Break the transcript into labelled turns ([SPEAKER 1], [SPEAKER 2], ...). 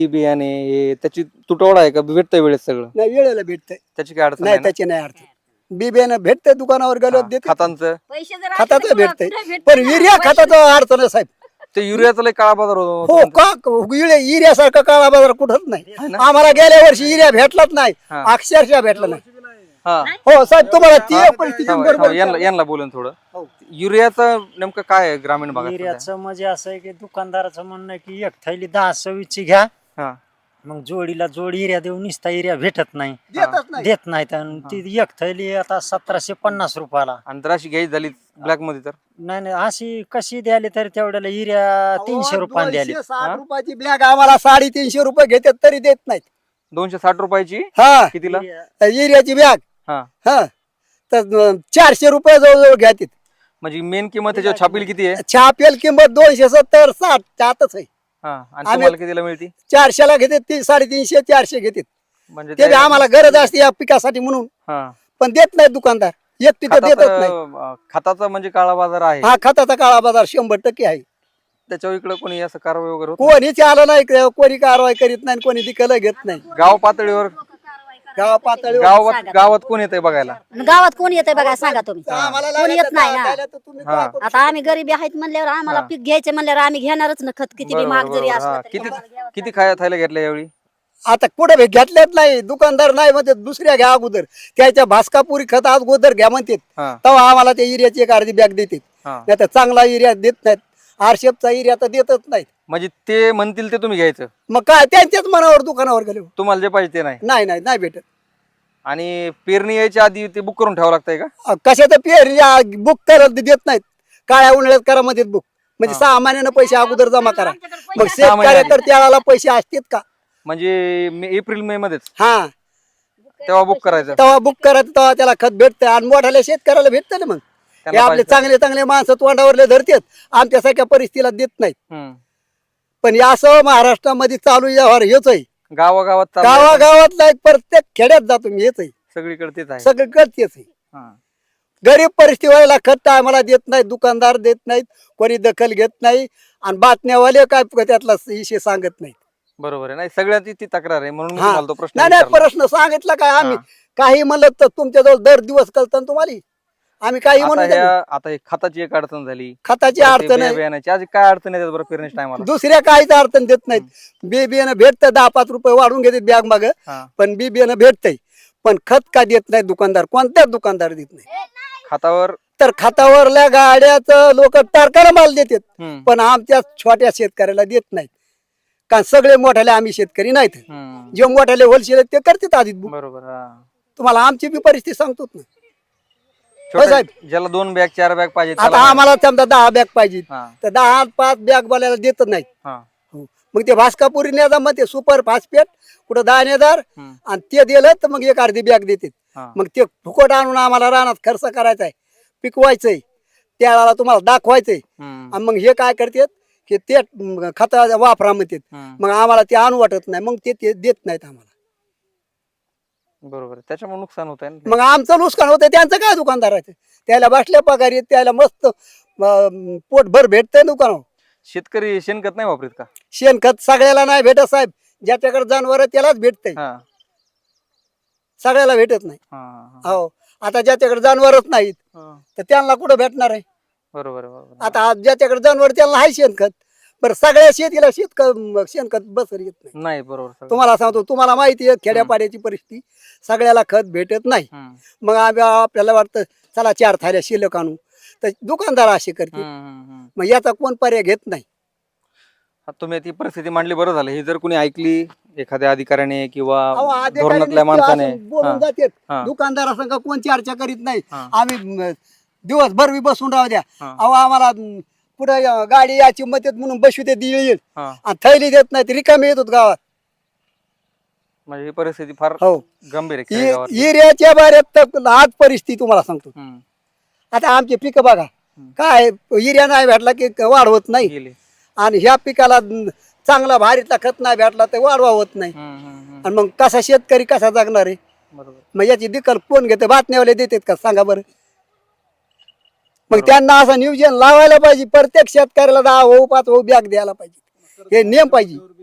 [SPEAKER 1] बी बियाणे हे त्याची तुटवडा आहे का? भेटतंय वेळेत सगळं?
[SPEAKER 2] नाही वेळेला भेटतंय,
[SPEAKER 1] त्याची काय अडचण
[SPEAKER 2] नाही
[SPEAKER 1] नाही ना?
[SPEAKER 2] त्याची नाही अडचण. बी बियाणं भेटतंय दुकानावर गेलो
[SPEAKER 1] हा,
[SPEAKER 2] देते,
[SPEAKER 1] खतांचं
[SPEAKER 2] खताचं भेटतंय, पण युरिया खताचं अडचण आहे साहेब.
[SPEAKER 1] ते युरियाचा लय काळा बाजार होतो
[SPEAKER 2] हो का युरियासारखा काळा बाजार कुठंच नाही.
[SPEAKER 1] है ना?
[SPEAKER 2] आम्हाला गेल्या वर्षी युरिया भेटलाच नाही,
[SPEAKER 1] हा.
[SPEAKER 2] अक्षरशः भेटला नाही.
[SPEAKER 1] हा
[SPEAKER 2] हो साहेब तुम्हाला ती परिस्थिती
[SPEAKER 1] थांबा,
[SPEAKER 2] बरोबर
[SPEAKER 1] थांबा, यांना बोलून थोडं. युरियाचं नेमकं काय आहे ग्रामीण भागात सध्या?
[SPEAKER 3] युरियाचं म्हणजे असं आहे की दुकानदाराचं म्हणणं आहे की एक थैली 10-26 घ्या,
[SPEAKER 1] हा
[SPEAKER 3] मग जोडीला जोड युरिया देऊन निसता युरिया भेटत नाही,
[SPEAKER 2] देतच नाही.
[SPEAKER 3] देत नाहीत. आणि ती एक थैली आता 1750 रुपयाला.
[SPEAKER 1] आणि जर अशी घ्यायची झाली ब्लॅक मध्ये तर
[SPEAKER 3] नाही नाही, अशी कशी द्याली तरी तेवढ्याला युरिया 300 रुपयाला द्याली.
[SPEAKER 2] 260 रुपयाची बॅग आम्हाला 350 रुपये घेतात तरी देत नाहीत.
[SPEAKER 1] 260 रुपयाची
[SPEAKER 2] हा
[SPEAKER 1] कितीला?
[SPEAKER 2] युरियाची बॅग
[SPEAKER 1] हा
[SPEAKER 2] हा तर 400 रुपये जवळजवळ घ्यातील.
[SPEAKER 1] म्हणजे मेन किंमत त्याच्यावर छापील किती आहे?
[SPEAKER 2] छापेल किंमत 270 60 त्यातच आहे.
[SPEAKER 1] हा आणि तुम्हाला कितीला मिळते?
[SPEAKER 2] 400ला घेते 350 400 घेते.
[SPEAKER 1] म्हणजे
[SPEAKER 2] ते बी आम्हाला गरज असते या पिकासाठी म्हणून,
[SPEAKER 1] हा
[SPEAKER 2] पण देत नाही दुकानदार, एक तिथं देतच नाही.
[SPEAKER 1] खताचा म्हणजे काळा बाजार आहे.
[SPEAKER 2] हा खताचा काळा बाजार 100% आहे.
[SPEAKER 1] त्याच्यावर इकडे कोणी असं कारवाई वगैरे होत
[SPEAKER 2] कोणीच आलं नाही, कोणी कारवाई करीत नाही, कोणी दिकलं घेत नाही.
[SPEAKER 1] नाही? गाव पातळीवर
[SPEAKER 2] गाव पातळीवर
[SPEAKER 1] गावात कोण येतंय बघायला?
[SPEAKER 4] गावात कोण येतंय बघा सांगा तुम्ही.
[SPEAKER 2] आम्हाला
[SPEAKER 4] कोणी येत नाही ना.
[SPEAKER 2] लागायला तर तुम्ही
[SPEAKER 1] हा.
[SPEAKER 2] करू
[SPEAKER 4] आता आम्ही गरीबी आहेत म्हणल्यावर आम्हाला पीक घ्यायचे म्हणल्यावर आम्ही घेणारच ना खत, किती बी महाग जरी
[SPEAKER 1] बरोबर,
[SPEAKER 4] असलं
[SPEAKER 1] हा.
[SPEAKER 4] तरी
[SPEAKER 1] किती
[SPEAKER 4] आम्हाला घ्यावंच
[SPEAKER 1] किती थैल्या घेतल्या यावेळी?
[SPEAKER 2] आता कुठे घेतल्यात नाही, दुकानदार नाही म्हणते दुसऱ्या घ्या अगोदर, त्याच्या भास्कापुरी खत अगोदर घ्या म्हणतात,
[SPEAKER 1] हा
[SPEAKER 2] तेव्हा आम्हाला ते युरियाची एक अर्धी बॅग देतात.
[SPEAKER 1] हा
[SPEAKER 2] नाही तर चांगला युरिया देत नाहीत, आरशेपचा युरिया तर देतच नाहीत.
[SPEAKER 1] म्हणजे ते म्हणतील ते तुम्ही घ्यायचं,
[SPEAKER 2] मग काय त्यांच्याच मनावर दुकानावर गेलो.
[SPEAKER 1] तुम्हाला जे पाहिजे ते नाही.
[SPEAKER 2] नाही नाही नाही भेटत.
[SPEAKER 1] आणि पेरणी यायच्या आधी ते बुक करून ठेवावं लागतंय का?
[SPEAKER 2] कशाचं पेर बुक करत देत नाहीत, काळ्या उन्हाळ्यात करा म्हणतात बुक, म्हणजे 6 महिन्यानं पैसे अगोदर जमा करा. मग शेतकरी तर त्याला पैसे असतात का?
[SPEAKER 1] म्हणजे एप्रिल मे मध्येच
[SPEAKER 2] हा
[SPEAKER 1] तेव्हा बुक करायचं.
[SPEAKER 2] तेव्हा बुक करत तेव्हा त्याला खत भेटतं आणि मोठ्याला शेतकऱ्याला भेटतं ना. मग हे
[SPEAKER 1] त्यांना
[SPEAKER 2] आपले
[SPEAKER 1] पाहिजे.
[SPEAKER 2] चांगले चांगले माणसं तोंडावरले धरतात, आमच्यासारख्या परिस्थितीला देत नाहीत.
[SPEAKER 1] हम्म.
[SPEAKER 2] पण या असं महाराष्ट्रामध्ये चालू व्यवहार हेच आहे.
[SPEAKER 1] गावागावात चाललंय.
[SPEAKER 2] गावागावातला एक प्रत्येक खेड्यात जातो मी, हेच आहे
[SPEAKER 1] सगळीकडे तेच आहे.
[SPEAKER 2] सगळीकडे तेच आहे.
[SPEAKER 1] हा.
[SPEAKER 2] गरीब परिस्थितीला खत आम्हाला देत नाहीत, दुकानदार देत नाहीत, कोणी दखल घेत नाही, आणि बातम्यावाले काय त्यातला विषय सांगत नाही.
[SPEAKER 1] बरोबर आहे. नाही सगळ्यांची ती तक्रार आहे म्हणून मी
[SPEAKER 2] हा.
[SPEAKER 1] तुम्हाला तो प्रश्न
[SPEAKER 2] नाही नाही
[SPEAKER 1] विचारला.
[SPEAKER 2] प्रश्न सांगितला काय आम्ही,
[SPEAKER 1] हा.
[SPEAKER 2] काही म्हणलं तर तुमच्याजवळ दर दिवस कळतं तुम्हाला, आम्ही काही
[SPEAKER 1] आता
[SPEAKER 2] म्हणून
[SPEAKER 1] आता हे खताची एक अडचण झाली,
[SPEAKER 2] खताची
[SPEAKER 1] परत ते
[SPEAKER 2] अडचण आहे.
[SPEAKER 1] बियाण्याची आज काय अडचण आहे बरं पेरणीच्या टायमाला?
[SPEAKER 2] दुसऱ्या काहीच अडचण देत नाहीत. बी बियाणं भेटतं, 10-5 रुपये वाढून घेतात बॅग माग,
[SPEAKER 1] हा.
[SPEAKER 2] पण बी बियाणं भेटतंय, पण खत का देत नाही दुकानदार, कोणत्याच दुकानदार देत नाही.
[SPEAKER 1] खतावर
[SPEAKER 2] तर खतावरल्या गाड्याचं लोक टारकाला माल देतात,
[SPEAKER 1] हम्म.
[SPEAKER 2] पण आमच्या छोट्या शेतकऱ्याला देत नाहीत. कारण सगळे मोठ्याले आम्ही शेतकरी नाहीत,
[SPEAKER 1] हम्म.
[SPEAKER 2] जे मोठ्याले होलसेल आहेत ते करतात आधीच बुक.
[SPEAKER 1] बरोबर. हा.
[SPEAKER 2] तुम्हाला आमची बी परिस्थिती सांगतो ना.
[SPEAKER 1] छोट्या-
[SPEAKER 2] साहेब.
[SPEAKER 1] ज्याला 2 बॅग 4 बॅग पाहिजे
[SPEAKER 2] आता
[SPEAKER 1] त्याला नाही.
[SPEAKER 2] आम्हाला समजा 10 बॅग पाहिजे,
[SPEAKER 1] हा.
[SPEAKER 2] तर 10-5 बॅग बोलायला देतच नाहीत.
[SPEAKER 1] हा.
[SPEAKER 2] मग ते भास्कापुरी नेदा, मग ते सुपर फास्फेट कुठं 10 नेदार,
[SPEAKER 1] हम्म.
[SPEAKER 2] आणि ते दिलं तर मग एक अर्धी बॅग देतात.
[SPEAKER 1] हा.
[SPEAKER 2] मग ते फुकट आणून आम्हाला रानात खर्च करायचा आहे, पिकवायचंय, त्याला तुम्हाला दाखवायचंय,
[SPEAKER 1] हम्म.
[SPEAKER 2] आणि मग हे काय करतात की ते खता वापरा म्हणतात.
[SPEAKER 1] हम्म.
[SPEAKER 2] मग आम्हाला ते आणू वाटत नाही, मग ते देत नाहीत आम्हाला.
[SPEAKER 1] बरोबर आहे. त्याच्यामुळे नुकसान होत आहे.
[SPEAKER 2] मग आमचं नुकसान होतं, त्यांचं काय दुकानदाराचं, त्याला बसल्या पगार येत, त्याला मस्त पोटभर भेटतंय दुकान.
[SPEAKER 1] शेतकरी शेणखत नाही वापरत का?
[SPEAKER 2] शेणखत सगळ्याला नाही भेटत साहेब, ज्याच्याकडे जनावर त्यालाच भेटतंय,
[SPEAKER 1] हा.
[SPEAKER 2] सगळ्याला भेटत नाही.
[SPEAKER 1] हा, हा,
[SPEAKER 2] हो, आता ज्याच्याकडे जनावरच नाहीत
[SPEAKER 1] हा.
[SPEAKER 2] तर त्यांना कुठं भेटणार आहे?
[SPEAKER 1] बरोबर आहे, बरोबर आहे.
[SPEAKER 2] आता ज्याच्याकडे जनावर त्याला आहे शेणखत, बरं सगळ्या शेतीला शेणखत बसर येत नाही.
[SPEAKER 1] नाही बरोबर सगळं.
[SPEAKER 2] तुम्हाला सांगतो, तुम्हाला माहिती आहे खेड्यापाड्याची परिस्थिती, सगळ्याला खत भेटत नाही.
[SPEAKER 1] हम्म.
[SPEAKER 2] मग आपल्याला वाटतं चला 4 थाऱ्या शिल्लक आणू, तर दुकानदार असे करते,
[SPEAKER 1] हम्म, हम्म, हम्म.
[SPEAKER 2] मग याचा कोण पर्याय घेत नाही.
[SPEAKER 1] आता तुम्ही ती परिस्थिती मांडली, बरं झालं. ही जर कोणी ऐकली एखाद्या अधिकाऱ्याने किंवा
[SPEAKER 2] अहो, अधिकारी
[SPEAKER 1] धोरणातल्या
[SPEAKER 2] नुसते
[SPEAKER 1] माणसाने,
[SPEAKER 2] असं बोलून
[SPEAKER 1] हा.
[SPEAKER 2] जातात,
[SPEAKER 1] हा.
[SPEAKER 2] दुकानदारा संग कोण चर्चा करीत नाही.
[SPEAKER 1] हा.
[SPEAKER 2] आम्ही दिवसभर बी बसून राहू द्या,
[SPEAKER 1] हा.
[SPEAKER 2] अहो आम्हाला पुढे गाडी याची मदत म्हणून बसू देत येईल,
[SPEAKER 1] हा.
[SPEAKER 2] आणि थैली देत नाही, रिकामी येत होत गावात.
[SPEAKER 1] म्हणजे ही परिस्थिती फार
[SPEAKER 2] हो,
[SPEAKER 1] गंभीर आहे खेडेगावात.
[SPEAKER 2] युरियाच्या बाऱ्यात तर आज परिस्थिती तुम्हाला सांगतो.
[SPEAKER 1] हम्म.
[SPEAKER 2] आता आमचे पिकं बघा, काय युरिया नाही भेटला की वाढवत नाही,
[SPEAKER 1] गेली.
[SPEAKER 2] आणि ह्या पिकाला चांगला भारीतला खत नाही भेटला तर वाढवा होत नाही,
[SPEAKER 1] हम्म, हम्म, हम्म.
[SPEAKER 2] आणि मग कसा शेतकरी कसा जगणार आहे?
[SPEAKER 1] बरोबर.
[SPEAKER 2] मग याची दखल कोण घेते? बातम्यावाले देतात का सांगा बरं? मग त्यांना असं नियोजन लावायला पाहिजे, प्रत्येक शेतकऱ्याला 10 5 बॅग द्यायला पाहिजे, हे नियम पाहिजे.